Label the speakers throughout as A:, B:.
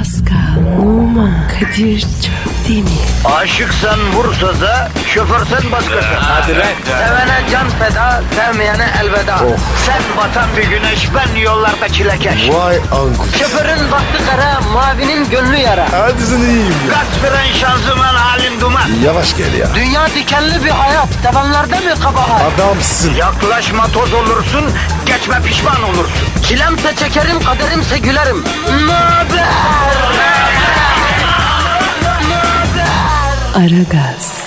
A: Pascal, Oman, Kadir çok değil mi?
B: Aşıksan vursa da, şoförsen başkasın.
C: Hadi lan.
B: Sevene can feda, sevmeyene elveda. Sen batan bir güneş, ben yollarda çilekeş.
C: Vay anku.
B: Şoförün baktı kara, mavinin gönlü yara.
C: Hadi sen iyiyim ya.
B: Kasperen şanzıman halin duman.
C: Yavaş gel ya.
B: Dünya dikenli bir hayat, sevenlerde mi kabahar?
C: Adamsın.
B: Yaklaşma toz olursun, geçme pişman olursun. Çilemse çekerim, kaderimse gülerim. Möber!
A: Aragaz,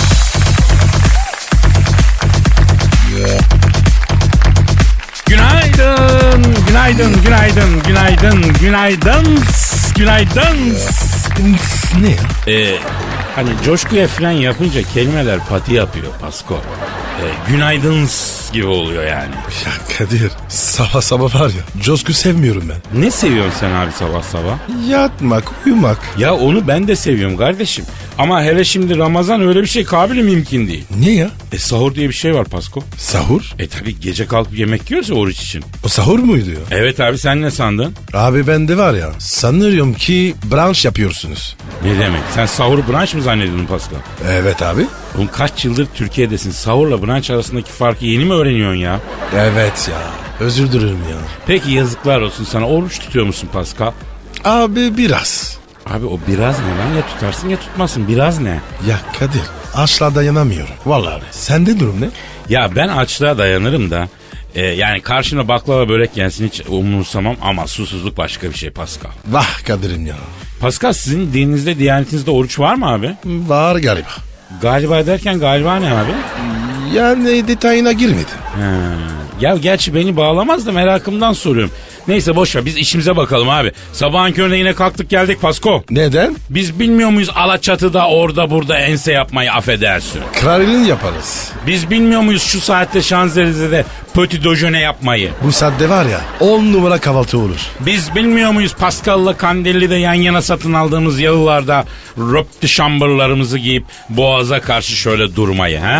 D: Günaydın, günaydın, günaydın, günaydın, günaydın, günaydın.
C: Ne ya?
D: Hani coşkuya falan yapınca kelimeler pati yapıyor Pasko. Günaydın gibi oluyor yani.
C: Ya Kadir sabah sabah var ya coşku sevmiyorum ben.
D: Ne seviyorsun sen abi sabah sabah?
C: Yatmak, uyumak.
D: Ya onu ben de seviyorum kardeşim. Ama hele şimdi Ramazan öyle bir şey kabili mümkün değil.
C: Niye ya?
D: Sahur diye bir şey var Pasko.
C: Sahur?
D: Tabi gece kalkıp yemek yiyoruz ya oruç için.
C: O sahur muydu ya?
D: Evet abi sen ne sandın?
C: Abi bende var ya sanıyorum ki brunch yapıyorsunuz.
D: Ne demek? Sen sahuru brunch mı zannediyordun Pascal?
C: Evet abi.
D: Oğlum kaç yıldır Türkiye'desin? Sahurla brunch arasındaki farkı yeni mi öğreniyorsun ya?
C: Evet ya. Özür dilerim ya.
D: Peki yazıklar olsun sana. Oruç tutuyor musun Pascal?
C: Abi biraz.
D: Abi o biraz ne lan? Ya tutarsın ya tutmasın. Biraz ne?
C: Ya Kadir açlığa dayanamıyorum. Vallahi. Sende durum ne?
D: Ya ben açlığa dayanırım da yani karşımda baklava börek gelsin hiç umursamam ama susuzluk başka bir şey Pascal.
C: Vah Kadir'im ya.
D: Pascal sizin dininizde, diyanetinizde oruç var mı abi?
C: Var galiba.
D: Galiba derken galiba ne abi?
C: Yani detayına girmedin.
D: Ya gerçi beni bağlamaz da merakımdan soruyorum. Neyse boş ver biz işimize bakalım abi. Sabahın köründe yine kalktık geldik Pasko.
C: Neden?
D: Biz bilmiyor muyuz Alaçatı'da orada burada ense yapmayı affedersin.
C: Kralinin yaparız.
D: Biz bilmiyor muyuz şu saatte Şanzelize'de petit déjeuner yapmayı.
C: Bu saatte var ya 10 numara kahvaltı olur.
D: Biz bilmiyor muyuz Pascal'la Kandilli'de yan yana satın aldığımız yalılarda röptü şambırlarımızı giyip boğaza karşı şöyle durmayı ha?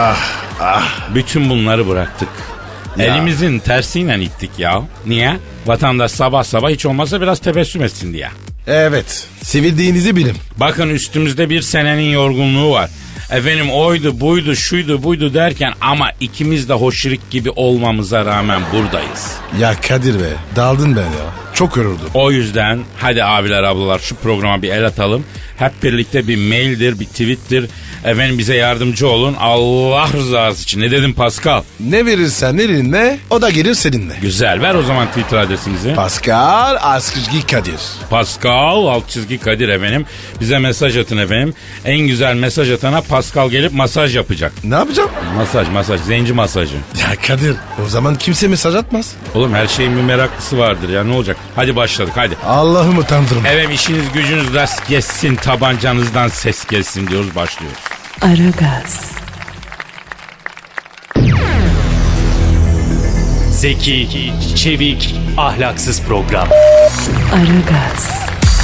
D: Bütün bunları bıraktık.
C: Ya.
D: Elimizin tersiyle ittik ya. Niye? Vatandaş sabah sabah hiç olmazsa biraz tebessüm etsin diye.
C: Evet. Sevildiğinizi bilin.
D: Bakın üstümüzde bir senenin yorgunluğu var. Efendim oydu buydu şuydu buydu derken ama ikimiz de hoşirik gibi olmamıza rağmen buradayız.
C: Ya Kadir be daldın ben ya. Çok yoruldum.
D: O yüzden hadi abiler ablalar şu programa bir el atalım. Hep birlikte bir maildir bir tweettir. Efendim bize yardımcı olun Allah rızası için. Ne dedim Pascal?
C: Ne verirsen elinle o da gelir seninle.
D: Güzel ver o zaman Twitter adresimizi.
C: Pascal Askışgi Kadir.
D: Pascal _Kadir efendim. Bize mesaj atın efendim. En güzel mesaj atana Pascal gelip masaj yapacak.
C: Ne yapacağım?
D: Masaj zenci masajı.
C: Ya Kadir o zaman kimse mesaj atmaz.
D: Oğlum her şeyin bir meraklısı vardır ya ne olacak? Hadi başladık hadi.
C: Allah'ım utandırma.
D: Evet işiniz gücünüz rast gelsin tabancanızdan ses gelsin diyoruz başlıyoruz.
A: Aragaz,
E: Zeki, çevik, ahlaksız program.
A: Aragaz,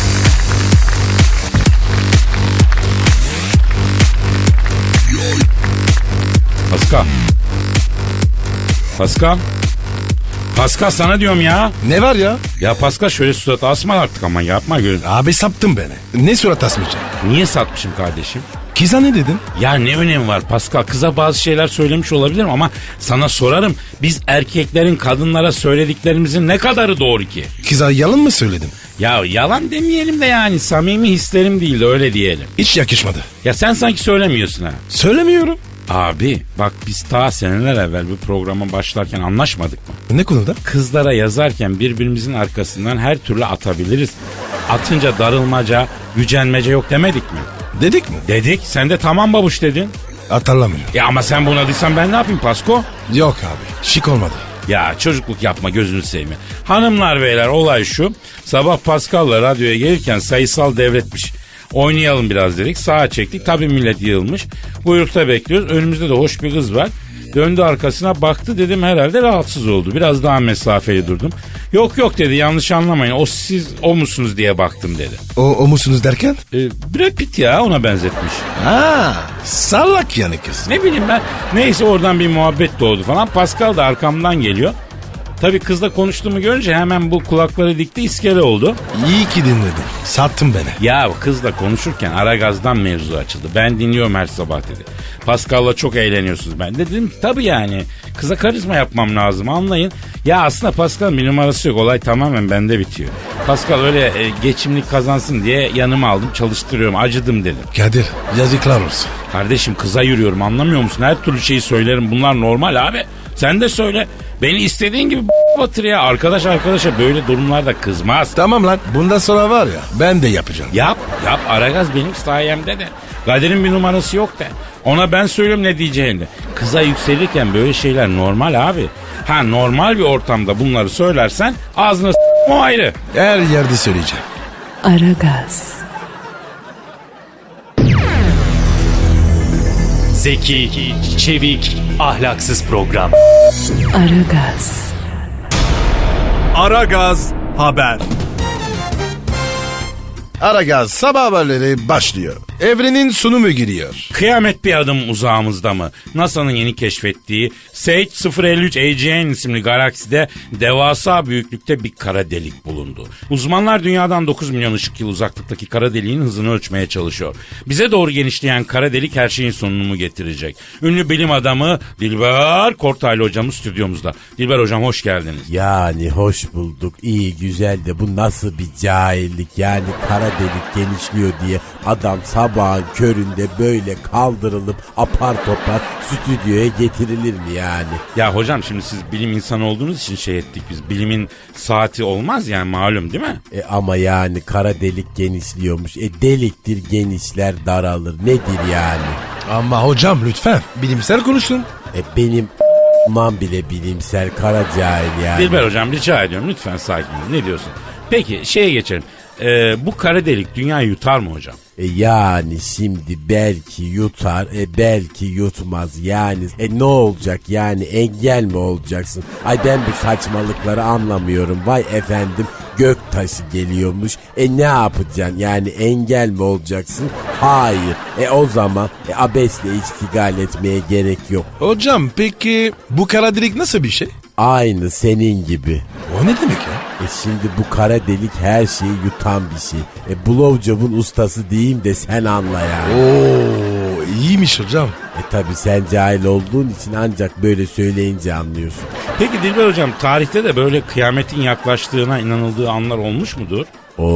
A: Pascal sana diyorum ya.
C: Ne var ya?
D: Ya Pascal şöyle surat asma artık ama yapma gör.
C: Abi saptın beni. Ne surat asmayacağım?
D: Niye satmışım kardeşim?
C: Kıza ne dedin?
D: Ya ne önemi var Pascal? Kıza bazı şeyler söylemiş olabilirim ama sana sorarım. Biz erkeklerin kadınlara söylediklerimizin ne kadarı doğru ki?
C: Kıza yalan mı söyledin?
D: Ya yalan demeyelim de yani samimi hislerim değil de öyle diyelim.
C: Hiç yakışmadı.
D: Ya sen sanki söylemiyorsun ha.
C: Söylemiyorum.
D: Abi bak biz ta seneler evvel bu programa başlarken anlaşmadık mı?
C: Ne konuda?
D: Kızlara yazarken birbirimizin arkasından her türlü atabiliriz. Atınca darılmaca, gücenmece yok demedik mi?
C: Dedik mi?
D: Dedik. Sen de tamam babuş dedin.
C: Hatırlamıyorum.
D: Ya ama sen buna diysen ben ne yapayım Pasko?
C: Yok abi. Şık olmadı.
D: Ya çocukluk yapma gözünü seveyim. Hanımlar beyler olay şu. Sabah Pascal'la radyoya gelirken sayısal devretmiş. Oynayalım biraz dedik. Sağa çektik. Tabii millet yığılmış. Buyrukta bekliyoruz. Önümüzde de hoş bir kız var. Döndü arkasına baktı dedim herhalde rahatsız oldu. Biraz daha mesafeli durdum. Yok dedi yanlış anlamayın. O siz o musunuz diye baktım dedi.
C: O musunuz derken?
D: Brad Pitt ya ona benzetmiş.
C: Ha, sallak yani kız.
D: Ne bileyim ben. Neyse oradan bir muhabbet doğdu falan. Pascal da arkamdan geliyor. Tabii kızla konuştuğumu görünce hemen bu kulakları dikti, iskele oldu.
C: İyi ki dinledim. Sattın beni.
D: Ya kızla konuşurken Aragaz'dan mevzu açıldı. Ben dinliyorum her sabah dedi. Pascal'la çok eğleniyorsunuz. Ben de dedim tabii yani. Kıza karizma yapmam lazım, anlayın. Ya aslında Pascal'ın bir numarası yok. Olay tamamen bende bitiyor. Pascal öyle geçimlik kazansın diye yanıma aldım, çalıştırıyorum. Acıdım dedim.
C: Kadir yazıklar olsun.
D: Kardeşim kıza yürüyorum, anlamıyor musun? Her türlü şeyi söylerim. Bunlar normal abi. Sen de söyle. Beni istediğin gibi batır ya. Arkadaş arkadaşa böyle durumlarda kızmaz.
C: Tamam lan bundan sonra var ya ben de yapacağım.
D: Yap Aragaz benim sayemde de. Kadir'in bir numarası yok de. Ona ben söylüyorum ne diyeceğini. Kıza yükselirken böyle şeyler normal abi. Ha normal bir ortamda bunları söylersen ağzına o ayrı.
C: Her yerde söyleyeceğim.
A: Aragaz,
E: Zeki, çevik, ahlaksız program.
A: Aragaz,
F: Aragaz Haber.
C: Aragaz sabah haberleri başlıyor. Evrenin sunumu giriyor.
D: Kıyamet bir adım uzağımızda mı? NASA'nın yeni keşfettiği Sage 053 AGN isimli galakside devasa büyüklükte bir kara delik bulundu. Uzmanlar dünyadan 9 milyon ışık yılı uzaklıktaki kara deliğin hızını ölçmeye çalışıyor. Bize doğru genişleyen kara delik her şeyin sonunu getirecek. Ünlü bilim adamı Dilber Kortaylı hocamız stüdyomuzda. Dilber hocam hoş geldiniz.
G: Yani hoş bulduk. İyi güzel de bu nasıl bir cahillik? Yani kara delik genişliyor diye adam sabahın köründe böyle kaldırılıp apar topar stüdyoya getirilir mi yani?
D: Ya hocam şimdi siz bilim insanı olduğunuz için şey ettik biz. Bilimin saati olmaz yani malum değil mi?
G: Ama yani kara delik genişliyormuş. Deliktir genişler daralır. Nedir yani?
C: Ama hocam lütfen bilimsel konuşun.
G: Benim man bile bilimsel kara cahil yani.
D: Dilber hocam rica ediyorum lütfen sakin olun. Ne diyorsun? Peki şeye geçelim. Bu kara delik dünyayı yutar mı hocam?
G: Yani şimdi belki yutar, belki yutmaz. Yani ne olacak yani, engel mi olacaksın? Ay ben bu saçmalıkları anlamıyorum. Vay efendim, gök taşı geliyormuş. Ne yapacaksın yani, engel mi olacaksın? Hayır. O zaman abesle iştigal etmeye gerek yok.
C: Hocam peki bu kara delik nasıl bir şey?
G: Aynı senin gibi.
C: O ne demek ya?
G: Şimdi bu kara delik her şeyi yutan bir şey. Blowjob'un ustası diyeyim de sen anla yani.
C: Oo iyiymiş hocam.
G: Tabi sen cahil olduğun için ancak böyle söyleyince anlıyorsun.
D: Peki Dilber hocam tarihte de böyle kıyametin yaklaştığına inanıldığı anlar olmuş mudur?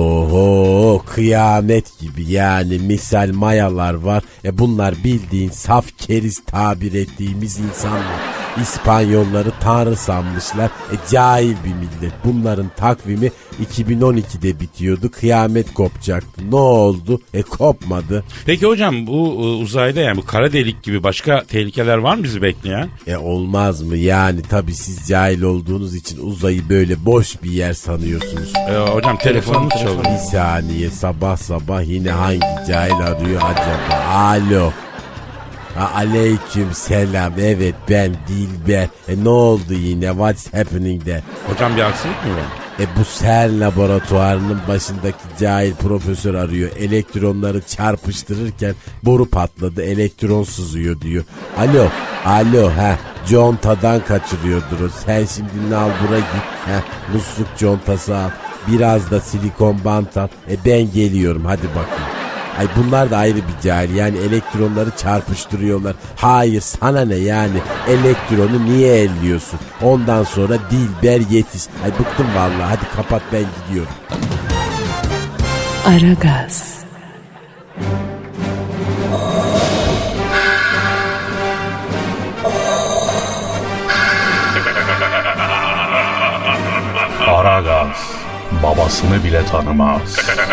G: Oho, kıyamet gibi yani, misal mayalar var. Bunlar bildiğin saf keriz tabir ettiğimiz insanlar. İspanyolları tanrı sanmışlar. Cahil bir millet. Bunların takvimi 2012'de bitiyordu. Kıyamet kopacaktı. Ne oldu? Kopmadı.
D: Peki hocam bu uzayda yani bu kara delik gibi başka tehlikeler var mı bizi bekleyen?
G: Olmaz mı? Yani tabii siz cahil olduğunuz için uzayı böyle boş bir yer sanıyorsunuz.
D: Hocam telefonumuz çalıyor.
G: Bir saniye, sabah sabah yine hangi cahil arıyor acaba? Alo. Aleyküm selam. Evet ben Dilber. Ne oldu yine? What's happening de?
D: Hocam bir aksilik mi var?
G: Bu CERN laboratuvarının başındaki cahil profesör arıyor. Elektronları çarpıştırırken boru patladı, elektron sızıyor diyor. Alo contadan kaçırıyordur o. Sen şimdi nalbura git. Musluk contası al. Biraz da silikon bant al. Ben geliyorum, hadi bakayım. Ay bunlar da ayrı bir cahil. Yani elektronları çarpıştırıyorlar. Hayır, sana ne yani? Elektronu niye elliyorsun? Ondan sonra Dilber yetiş. Ay bıktım vallahi. Hadi kapat, ben gidiyorum.
A: Aragaz,
F: Aragaz babasını bile tanımaz.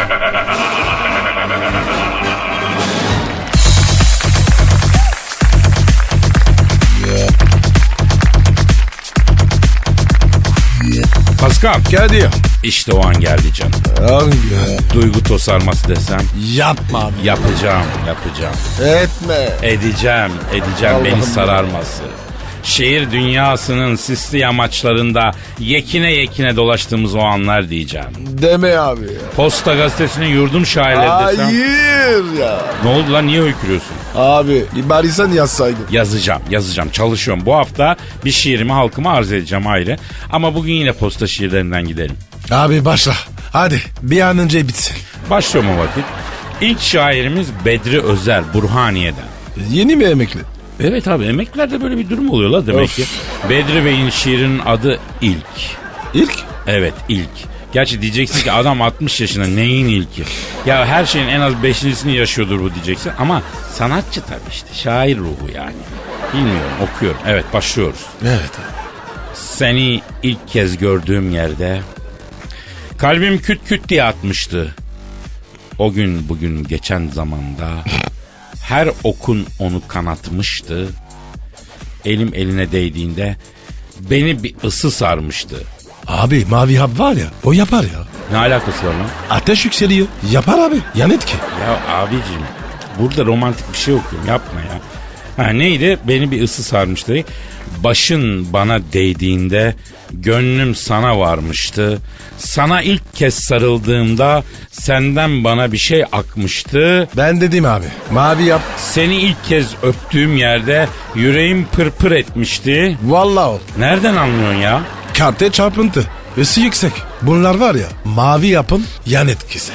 D: Pascal.
C: Kadir.
D: İşte o an geldi canım.
C: Hangi?
D: Duygu tosarması desem.
C: Yapma abi.
D: Yapacağım.
C: Etme.
D: Edeceğim. Beni
C: Allah'ım
D: sararması. Şehir dünyasının sisli yamaçlarında yekine yekine dolaştığımız o anlar diyeceğim.
C: Deme abi ya.
D: Posta Gazetesi'nin yurdum şairleri desem.
C: Hayır ya.
D: Ne oldu lan, niye höykürüyorsun?
C: Abi bari sen yazsaydın.
D: Yazacağım, çalışıyorum. Bu hafta bir şiirimi halkıma arz edeceğim ayrı. Ama bugün yine posta şiirlerinden gidelim.
C: Abi başla. Hadi bir an önce bitsin.
D: Başlıyorum o vakit. İlk şairimiz Bedri Özer, Burhaniye'den.
C: Yeni mi emekli?
D: Evet abi, emeklilerde böyle bir durum oluyor la demek
C: Of.
D: ki. Bedri Bey'in şiirinin adı İlk.
C: İlk?
D: Evet, ilk. Gerçi diyeceksin ki adam 60 yaşında, neyin ilki? Ya her şeyin en az 5.'sini yaşıyordur bu diyeceksin. Ama sanatçı tabii işte, şair ruhu yani. Bilmiyorum, okuyorum. Evet, başlıyoruz.
C: Evet.
D: Seni ilk kez gördüğüm yerde kalbim küt küt diye atmıştı. O gün bugün geçen zamanda her okun onu kanatmıştı. Elim eline değdiğinde beni bir ısı sarmıştı.
C: Abi mavi hap var ya o yapar ya.
D: Ne alakası var lan?
C: Ateş yükseliyor. Yapar abi. Yan etki.
D: Ya abicim, burada romantik bir şey okuyorum, yapma ya. Ha, neydi? Beni bir ısı sarmıştı. Başın bana değdiğinde gönlüm sana varmıştı. Sana ilk kez sarıldığımda senden bana bir şey akmıştı.
C: Ben dedim abi. Mavi yap.
D: Seni ilk kez öptüğüm yerde yüreğim pırpır etmişti.
C: Vallahi ol.
D: Nereden anlıyorsun ya?
C: Karte çarpıntı. Isı yüksek. Bunlar var ya mavi yapın yan etkisi.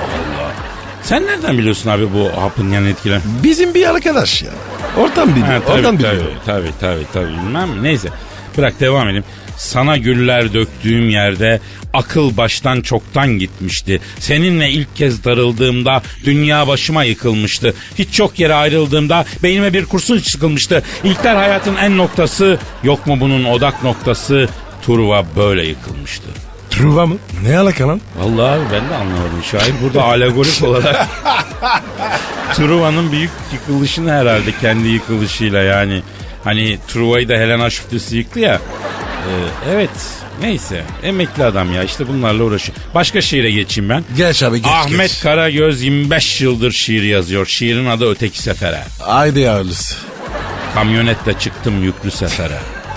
D: Sen nereden biliyorsun abi bu hapın yan etkileri?
C: Bizim bir arkadaş ya. Oradan biliyor.
D: Ha,
C: Oradan biliyor.
D: Tabii bilmem mi? Neyse, bırak devam edelim. Sana güller döktüğüm yerde akıl baştan çoktan gitmişti. Seninle ilk kez darıldığımda dünya başıma yıkılmıştı. Hiç çok yere ayrıldığımda beynime bir kurşun sıkılmıştı. İlkler hayatın en noktası, yok mu bunun odak noktası? Truva böyle yıkılmıştı.
C: Truva mı? Ne alaka lan?
D: Vallahi abi ben de anlamadım. Şair burada alegorik olarak Truva'nın büyük yıkılışını herhalde kendi yıkılışıyla yani. Hani Truva'yı da Helena Şüftesi yıktı ya. Evet, neyse, emekli adam ya, işte bunlarla uğraşıyor. Başka şiire geçeyim ben.
C: Geç abi geç.
D: Ahmet Karagöz 25 yıldır şiir yazıyor. Şiirin adı Öteki Sefere.
C: Haydi hayırlısı.
D: Kamyonetle çıktım yüklü sefere.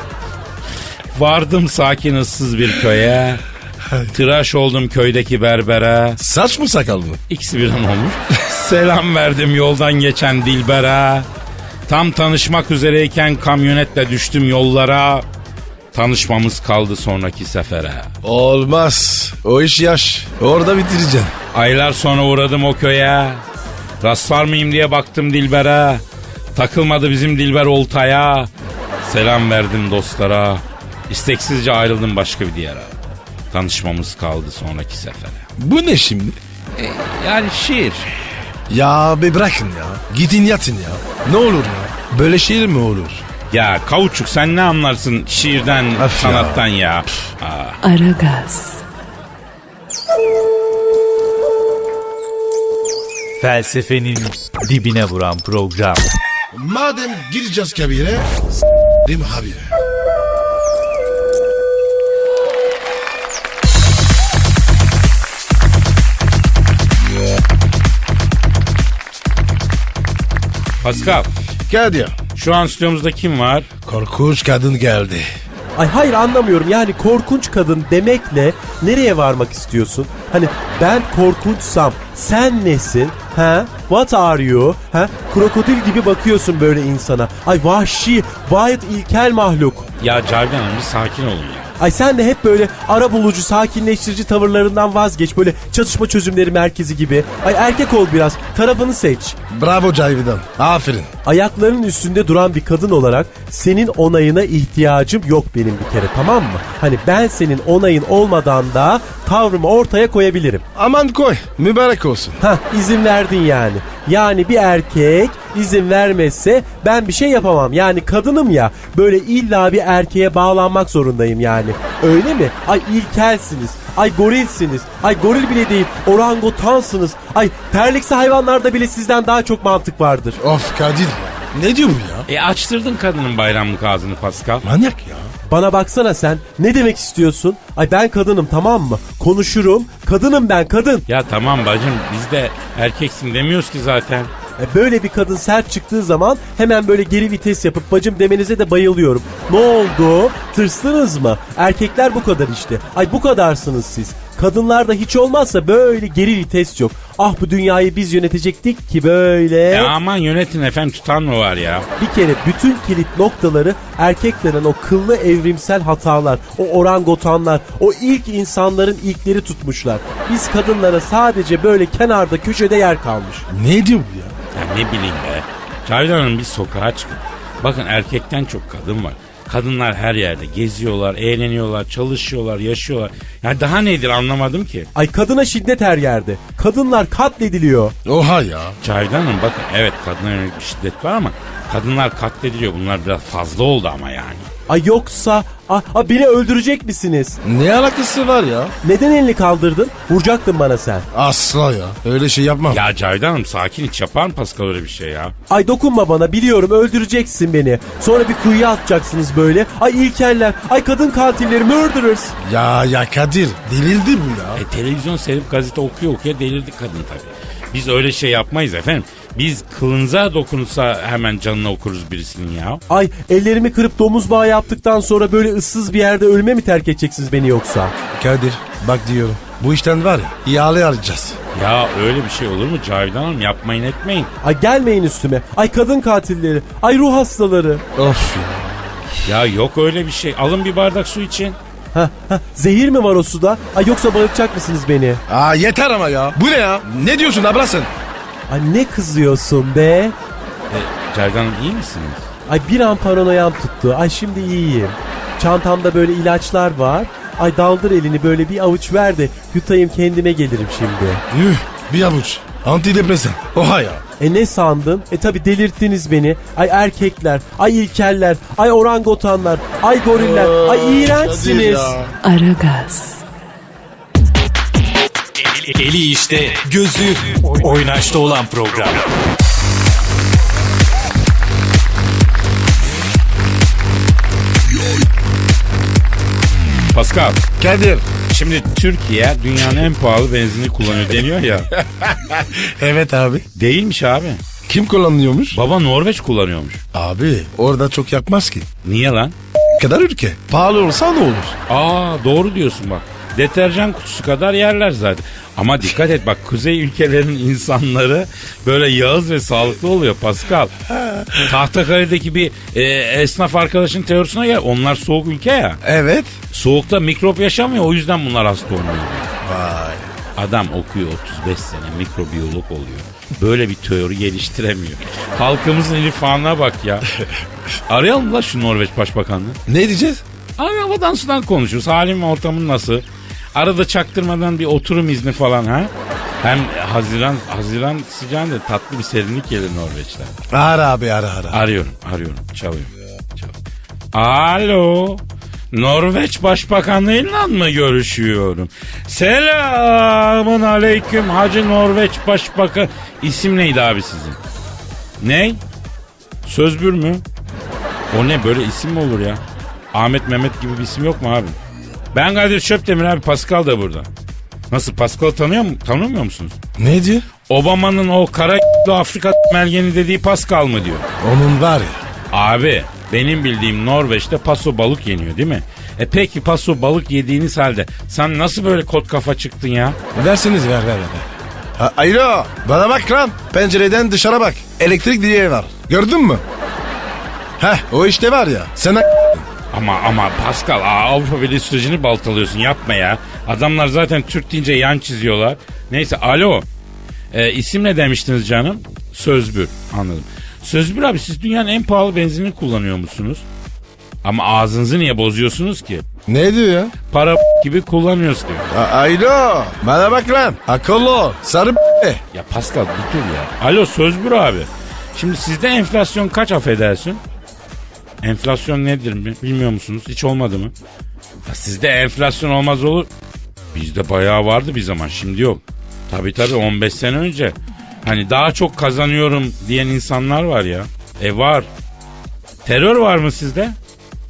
D: Vardım sakin ıssız bir köye. Tıraş oldum köydeki berbere.
C: Saç mı sakal mı?
D: İkisi birden olmuş. Selam verdim yoldan geçen dilbere. Tam tanışmak üzereyken kamyonetle düştüm yollara. Tanışmamız kaldı sonraki sefere.
C: Olmaz. O iş yaş. Orada bitireceksin.
D: Aylar sonra uğradım o köye. Rastlar mıyım diye baktım dilbere. Takılmadı bizim dilber oltaya. Selam verdim dostlara. İsteksizce ayrıldım başka bir diyara. Tanışmamız kaldı sonraki sefere.
C: Bu ne şimdi?
D: Yani şiir.
C: Ya be bırakın ya. Gidin yatın ya. Ne olur ya. Böyle şiir mi olur?
D: Ya Kavuçuk, sen ne anlarsın şiirden,
C: Of
D: sanattan ya?
A: Aragaz,
E: Felsefenin dibine vuran program.
C: Madem gireceğiz kabire. Değil mi abi?
D: Pascal,
C: Kadir.
D: şu an stüdyomuzda kim var?
C: Korkunç kadın geldi.
H: Ay hayır anlamıyorum yani korkunç kadın demekle nereye varmak istiyorsun? Hani ben korkunçsam sen nesin? Ha? What are you? Ha? Krokodil gibi bakıyorsun böyle insana. Ay vahşi, gayet ilkel mahluk.
D: Ya Cavidan Hanım, bir sakin olun ya.
H: Ay sen de hep böyle ara bulucu, sakinleştirici tavırlarından vazgeç. Böyle çatışma çözümleri merkezi gibi. Ay erkek ol biraz, tarafını seç.
C: Bravo Cavidan. Aferin.
H: Ayaklarının üstünde duran bir kadın olarak senin onayına ihtiyacım yok benim bir kere, tamam mı? Hani ben senin onayın olmadan da tavrımı ortaya koyabilirim.
C: Aman koy. Mübarek olsun.
H: Hah, izin verdin yani. Yani bir erkek izin vermezse ben bir şey yapamam. Yani kadınım ya, böyle illa bir erkeğe bağlanmak zorundayım yani. Öyle mi? Ay ilkelsiniz. Ay gorilsiniz. Ay goril bile değil, orangotansınız. Ay terliksi hayvanlarda bile sizden daha çok mantık vardır.
C: Of Kadir. Ne diyor bu ya?
D: Açtırdın kadının bayramlık ağzını Pascal.
C: Manyak ya.
H: Bana baksana sen, ne demek istiyorsun? Ay ben kadınım, tamam mı? Konuşurum, kadınım ben, kadın.
D: Ya tamam bacım, biz de erkeksin demiyoruz ki zaten.
H: Böyle bir kadın sert çıktığı zaman hemen böyle geri vites yapıp bacım demenize de bayılıyorum. Ne oldu? Tırstınız mı? Erkekler bu kadar işte. Ay bu kadarsınız siz. Kadınlarda hiç olmazsa böyle geri vites yok. Ah bu dünyayı biz yönetecektik ki böyle.
D: Aman yönetin efendim, tutan mı var ya?
H: Bir kere bütün kilit noktaları erkeklerin o kıllı evrimsel hatalar, o orangotanlar, o ilk insanların ilkleri tutmuşlar. Biz kadınlara sadece böyle kenarda köşede yer kalmış.
C: Ne diyor bu ya?
D: Ya ne bileyim be. Cavidan Hanım, biz sokağa çıkın. Bakın erkekten çok kadın var. Kadınlar her yerde geziyorlar, eğleniyorlar, çalışıyorlar, yaşıyorlar. Ya daha nedir anlamadım ki.
H: Ay kadına şiddet her yerde. Kadınlar katlediliyor.
C: Oha ya.
D: Cavidan Hanım bakın, evet kadına yönelik bir şiddet var ama kadınlar katlediliyor. Bunlar biraz fazla oldu ama yani.
H: Ay yoksa beni öldürecek misiniz?
C: Ne alakası var ya?
H: Neden elini kaldırdın? Vuracaktın bana sen.
C: Asla ya. Öyle şey yapmam.
D: Ya Cavidan Hanım sakin, hiç yapar mı Pascal öyle bir şey ya?
H: Ay dokunma bana, biliyorum öldüreceksin beni. Sonra bir kuyuya atacaksınız böyle. Ay ilkeller, ay kadın katilleri, murderers.
C: Ya Kadir, delirdi bu ya.
D: Televizyon seyredip gazete okuyor delirdi kadın tabii. Biz öyle şey yapmayız efendim. Biz kılınıza dokunursa hemen canına okuruz birisinin ya.
H: Ay ellerimi kırıp domuz bağı yaptıktan sonra böyle ıssız bir yerde ölüme mi terk edeceksiniz beni yoksa?
C: Kadir, bak diyorum. Bu işten var ya, ihale alacağız.
D: Ya öyle bir şey olur mu Cavidan Hanım? Yapmayın etmeyin.
H: Ay gelmeyin üstüme. Ay kadın katilleri, ay ruh hastaları.
C: Of ya.
D: Ya yok öyle bir şey. Alın bir bardak su için.
H: Zehir mi var o suda? Ay yoksa bayılacak mısınız beni?
C: Aa yeter ama ya. Bu ne ya? Ne diyorsun abla sen?
H: Ay ne kızıyorsun be?
D: Cavidan Hanım iyi misiniz?
H: Ay bir an paranoyam tuttu. Ay şimdi iyiyim. Çantamda böyle ilaçlar var. Ay daldır elini böyle bir avuç ver de yutayım kendime gelirim şimdi.
C: Yuh, bir avuç. Antidepresan. Oha ya.
H: Ne sandın? Tabi delirttiniz beni. Ay erkekler, ay ilkeller, ay orangotanlar, ay goriller, ay iğrençsiniz.
A: Aragaz,
E: Eli işte, gözü oynaşta olan program.
D: Pascal,
C: Kadir.
D: şimdi Türkiye dünyanın en pahalı benzinini kullanıyor deniyor ya.
C: Evet abi.
D: Değilmiş abi.
C: Kim kullanıyormuş?
D: Baba Norveç kullanıyormuş.
C: Abi orada çok yakmaz ki.
D: Niye lan?
C: Kadar ülke. Pahalı olsa ne olur?
D: Aa doğru diyorsun bak. Deterjan kutusu kadar yerler zaten. Ama dikkat et bak, kuzey ülkelerinin insanları böyle yağız ve sağlıklı oluyor Pascal. Tahtakale'deki bir esnaf arkadaşın teorisine gel. Onlar soğuk ülke ya.
C: Evet.
D: Soğukta mikrop yaşamıyor, o yüzden bunlar hasta olmuyor.
C: Vay.
D: Adam okuyor 35 sene, mikrobiyolog oluyor. Böyle bir teori geliştiremiyor. Halkımızın irfanına bak ya. Arayalım da şu Norveç Başbakanlığı.
C: Ne diyeceğiz?
D: Abi havadan sudan konuşuruz. Halim ve ortamın nasıl? Arada çaktırmadan bir oturum izni falan ha? Hem Haziran sıcağında tatlı bir serinlik gelir Norveç'ten.
C: Ara abi ara.
D: Arıyorum. Çalıyor. Alo. Norveç Başbakanlığıyla mı görüşüyorum? Selamın aleyküm Hacı Norveç Başbakan. İsim neydi abi sizin? Ney? Sözbür mü? O ne, böyle isim mi olur ya? Ahmet Mehmet gibi bir isim yok mu abi? Ben Kadir Çöptemir abi, Pascal da burada. Nasıl, Pascal'ı tanımıyor musunuz?
C: Ne diyor?
D: Obama'nın o kara Afrika melgeni dediği Pascal mı diyor?
C: Onun var ya.
D: Abi benim bildiğim Norveç'te paso balık yeniyor değil mi? Peki paso balık yediğiniz halde sen nasıl böyle kot kafa çıktın ya?
C: Verseniz ver. Alo bana bak lan. Pencereden dışarı bak. Elektrik direği var. Gördün mü? Heh o işte var ya. Sen
D: Ama Pascal Avrupa Birliği sürecini baltalıyorsun, yapma ya. Adamlar zaten Türk deyince yan çiziyorlar. Neyse alo. İsim ne demiştiniz canım? Sözbür, anladım. Sözbür abi, siz dünyanın en pahalı benzinini kullanıyor musunuz? Ama ağzınızı niye bozuyorsunuz ki?
C: Ne diyor ya?
D: Para gibi kullanıyoruz diyor.
C: Alo bana bak lan. Akıllı ol. Sarı
D: Ya Pascal bir dur ya. Alo Sözbür abi. Şimdi sizde enflasyon kaç, affedersin? Enflasyon nedir bilmiyor musunuz? Hiç olmadı mı? Ya sizde enflasyon olmaz olur. Bizde bayağı vardı bir zaman, şimdi yok. Tabii 15 sene önce. Hani daha çok kazanıyorum diyen insanlar var ya. Var. Terör var mı sizde?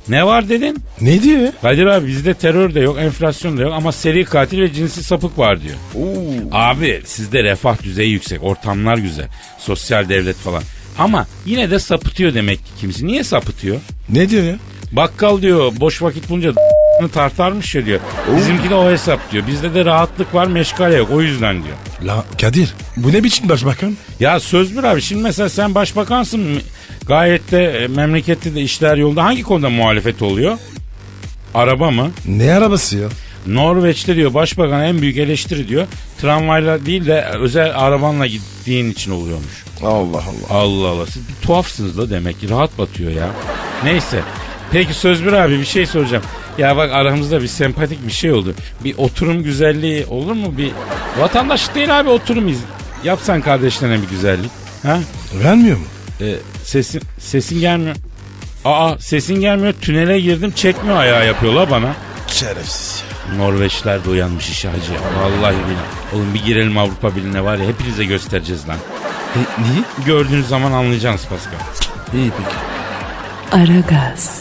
D: Ne var dedin?
C: Ne diyor ya?
D: Kadir abi bizde terör de yok, enflasyon da yok ama seri katil ve cinsi sapık var diyor. Abi sizde refah düzeyi yüksek, ortamlar güzel, sosyal devlet falan. Ama yine de sapıtıyor demek ki kimisi. Niye sapıtıyor?
C: Ne diyor ya?
D: Bakkal diyor boş vakit bulunca tartarmış ya diyor. Bizimki de o hesap diyor. Bizde de rahatlık var, meşgale yok, o yüzden diyor.
C: La Kadir bu ne biçim başbakan?
D: Ya söz bir abi, şimdi mesela sen başbakansın, gayet de memlekette de işler yolda. Hangi konuda muhalefet oluyor? Araba mı?
C: Ne arabası ya?
D: Norveç'te diyor başbakan en büyük eleştiri diyor tramvayla değil de özel arabanla gittiğin için oluyormuş.
C: Allah Allah.
D: Allah Allah, siz bir tuhafsınız da demek ki, rahat batıyor ya. Neyse, peki Sözbür abi bir şey soracağım. Ya bak aramızda bir sempatik bir şey oldu. Bir oturum güzelliği olur mu? Bir vatandaş değil abi, oturum yapsan kardeşlerine bir güzellik. Ha?
C: Vermiyor mu?
D: Sesin gelmiyor. Aa, sesin gelmiyor, tünele girdim çekmiyor, ayağı yapıyorlar bana.
C: Şerefsiz.
D: Norveçler de uyanmış işe hacı ya. Vallahi billahi. Oğlum bir girelim Avrupa Birliği'ne var ya, hepinize göstereceğiz lan.
C: Niye?
D: Gördüğünüz zaman anlayacaksınız Pascal.
C: İyi peki.
A: Aragaz,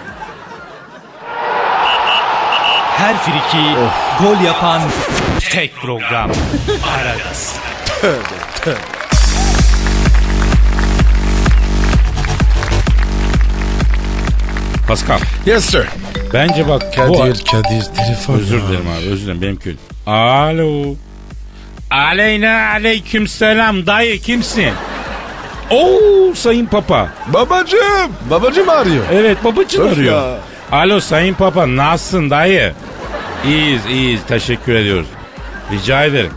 E: Her friki gol yapan tek program. Aragaz.
D: Pascal,
C: Yes sir.
D: bence bak
C: Kadir telefon.
D: Özür
C: ya.
D: dilerim abi, özür dilerim, benim kötü. Alo. Aleyna aleyküm selam dayı, kimsin? Oo, sayın papa.
C: Babacım arıyor.
D: Evet, babacın
C: Öf
D: arıyor.
C: ya.
D: Alo sayın papa, nasılsın dayı? İyiyiz teşekkür ediyoruz. Rica ederim.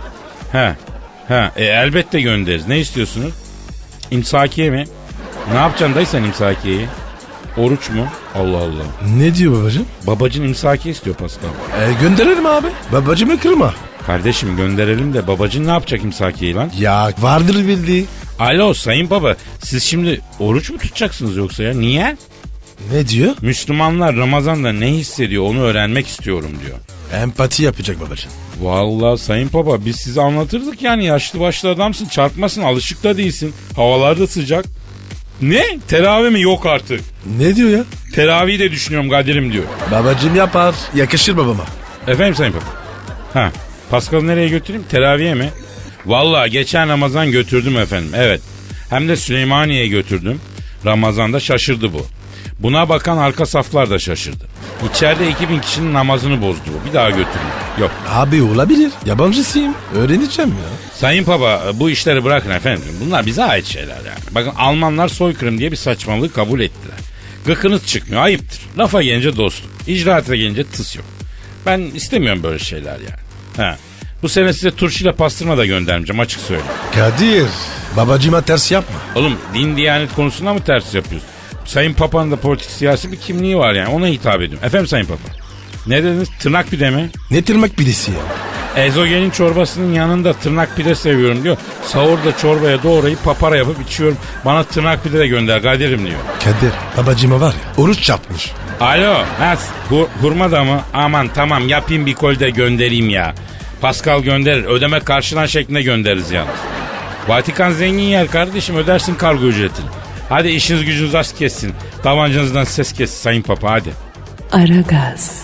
D: Elbette göndeririz. Ne istiyorsunuz? İmsakiye mi? Ne yapacaksın dayı sen imsakiyeyi? Oruç mu? Allah Allah.
C: Ne diyor babacım?
D: Babacın imsakiye istiyor Pascal.
C: Gönderelim abi. Babacımı kırma.
D: Kardeşim gönderelim de babacın ne yapacak imsakiyeyi lan?
C: Ya vardır bildiği.
D: Alo sayın baba, siz şimdi oruç mu tutacaksınız yoksa ya? Niye?
C: Ne diyor?
D: Müslümanlar Ramazan'da ne hissediyor onu öğrenmek istiyorum diyor.
C: Empati yapacak babacım.
D: Vallahi sayın baba biz size anlatırdık yani, yaşlı başlı adamsın, çarpmasın, alışık da değilsin. Havalar da sıcak. Ne? Teravih mi? Yok artık.
C: Ne diyor ya?
D: Teravih de düşünüyorum Kadir'im diyor.
C: Babacım yapar. Yakışır babama.
D: Efendim sayın baba. Pascal'ı nereye götüreyim? Teraviye mi? Vallahi geçen Ramazan götürdüm efendim. Evet. Hem de Süleymaniye'ye götürdüm. Ramazan'da şaşırdı bu. Buna bakan arka saflar da şaşırdı. İçeride 2000 kişinin namazını bozdu bu. Bir daha götürme. Yok.
C: Abi olabilir. Yabancısıyım. Öğreneceğim ya.
D: Sayın Papa bu işleri bırakın efendim. Bunlar bize ait şeyler yani. Bakın Almanlar soykırım diye bir saçmalığı kabul ettiler. Gıkınız çıkmıyor, ayıptır. Lafa gelince dostluk. İcraata gelince tıs yok. Ben istemiyorum böyle şeyler yani. Bu sene size turşuyla pastırma da göndermeyeceğim, açık söyleyeyim.
C: Kadir. Babacıma ters yapma.
D: Oğlum din diyanet konusunda mı ters yapıyorsun? Sayın Papa'nın da politik siyasi bir kimliği var yani, ona hitap ediyorum. Efendim Sayın Papa. Ne dediniz? Tırnak pide mi?
C: Ne tırnak pidesi ya?
D: Ezogelin çorbasının yanında tırnak pide seviyorum diyor. Sahurda çorbaya doğrayıp papara yapıp içiyorum. Bana tırnak pide de gönder Kadir'im diyor.
C: Kadir babacıma var ya oruç yapmış.
D: Alo, hurma da mı? Aman tamam, yapayım bir kol de göndereyim ya. Pascal gönderir. Ödeme karşılan şeklinde göndeririz yalnız. Vatikan zengin yer kardeşim, ödersin kargo ücretini. Hadi işiniz gücünüz az kessin. Tabancanızdan ses kessin Sayın Papa, hadi.
A: Aragaz,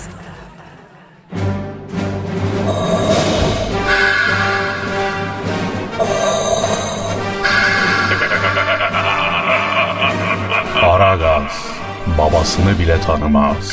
F: Aragaz babasını bile tanımaz.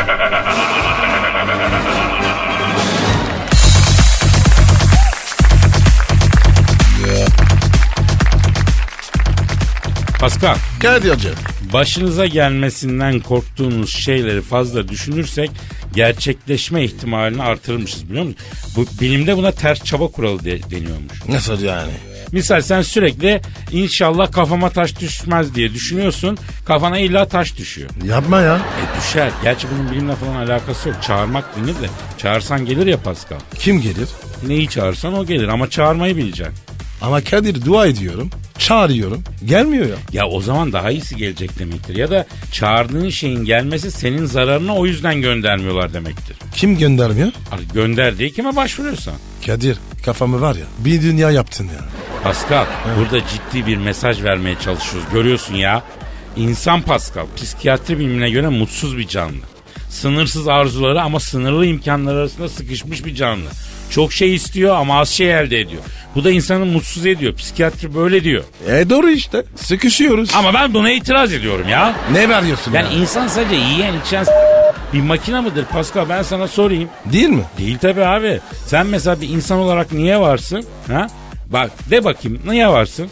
D: Pascal,
C: Kadir hocam.
D: başınıza gelmesinden korktuğunuz şeyleri fazla düşünürsek gerçekleşme ihtimalini artırmışız, biliyor musun? Bu bilimde buna ters çaba kuralı deniyormuş.
C: Nasıl yani?
D: Misal sen sürekli inşallah kafama taş düşmez diye düşünüyorsun. Kafana illa taş düşüyor.
C: Yapma ya.
D: Düşer. Gerçi bunun bilimle falan alakası yok. Çağırmak denir de. Çağırsan gelir ya Pascal.
C: Kim gelir?
D: Neyi çağırsan o gelir ama çağırmayı bileceksin.
C: Ama Kadir dua ediyorum. Çağırıyorum. Gelmiyor ya.
D: Ya o zaman daha iyisi gelecek demektir. Ya da çağırdığın şeyin gelmesi senin zararına, o yüzden göndermiyorlar demektir.
C: Kim göndermiyor?
D: Gönder diye kime başvuruyorsan.
C: Kadir kafamı var ya bir dünya yaptın ya.
D: Pascal burada ciddi bir mesaj vermeye çalışıyoruz. Görüyorsun ya. İnsan Pascal, psikiyatri bilimine göre mutsuz bir canlı. Sınırsız arzuları ama sınırlı imkanlar arasında sıkışmış bir canlı. Çok şey istiyor ama az şey elde ediyor. Bu da insanı mutsuz ediyor. Psikiyatri böyle diyor.
C: Doğru işte. Sıkışıyoruz.
D: Ama ben buna itiraz ediyorum ya.
C: Ne veriyorsun
D: Yani
C: ya?
D: insan sadece yiyen içen bir makine mıdır Pascal, ben sana sorayım.
C: Değil mi?
D: Değil tabii abi. Sen mesela bir insan olarak niye varsın? Ha? Bak de bakayım, niye varsın?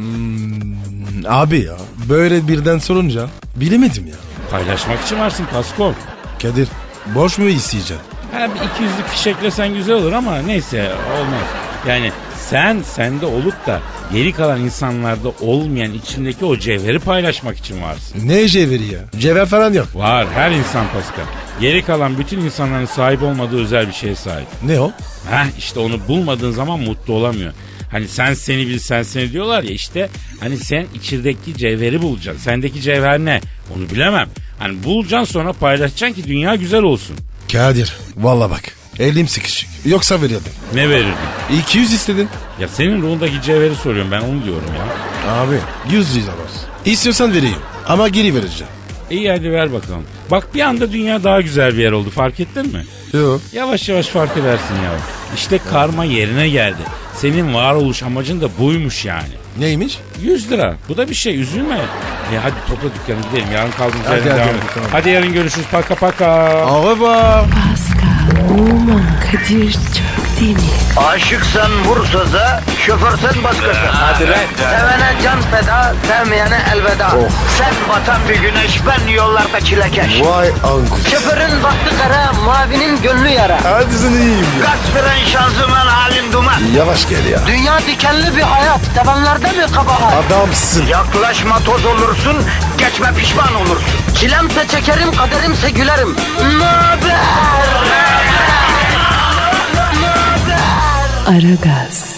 C: Abi ya böyle birden sorunca bilemedim ya.
D: Paylaşmak için varsın Pascal.
C: Kadir borç mu isteyeceksin?
D: Ha, bir 200'lük fişeklesen güzel olur ama neyse, olmaz. Yani sen sende olup da geri kalan insanlarda olmayan içindeki o cevheri paylaşmak için varsın.
C: Ne cevheri ya? Cevher falan yok.
D: Var, her insan Pascal. Geri kalan bütün insanların sahip olmadığı özel bir şeye sahip.
C: Ne o?
D: İşte onu bulmadığın zaman mutlu olamıyor. Hani sen seni bil sen seni diyorlar ya, işte hani sen içindeki cevheri bulacaksın. Sendeki cevher ne? Onu bilemem. Hani bulacaksın, sonra paylaşacaksın ki dünya güzel olsun.
C: Kadir valla bak elim sıkışık. Yoksa verirdim.
D: Ne verirdin?
C: 200 istedin.
D: Ya senin ruhundaki cevheri soruyorum, ben onu diyorum ya.
C: Abi 100 lira var. İstiyorsan vereyim ama geri vereceğim.
D: İyi hadi ver bakalım. Bak bir anda dünya daha güzel bir yer oldu, fark ettin mi?
C: Yok.
D: Yavaş yavaş fark edersin ya. İşte karma yerine geldi. Senin varoluş amacın da buymuş yani.
C: Neymiş?
D: 100 lira. Bu da bir şey, üzülme. Hadi topla dükkanı gidelim. Yarın kaldığımız
C: Hadi,
D: yerden
C: hadi,
D: devam
C: hadi,
D: edelim.
C: tamam.
D: Hadi yarın görüşürüz. Paka paka.
C: Au revoir.
A: Pascal, Oman, Kadir çok değil mi?
B: Aşıksan vursa da, şoförsen başkasın. Hadi
E: lan.
B: Sevene can feda, sevmeyene elveda. Sen batan bir güneş, ben yollarda çilekeş.
C: Vay anku.
B: Şoförün baktı kara, mavinin gönlü yara.
C: Hadi sen iyiyim ya.
B: Kasperen şanzıman halin duman.
C: Yavaş gel ya.
B: Dünya dikenli bir hayat, sevenlerde mi kabahar?
C: Adamsın.
B: Yaklaşma toz olursun, geçme pişman olursun. Çilemse çekerim, kaderimse gülerim. Möber!
A: Aragaz.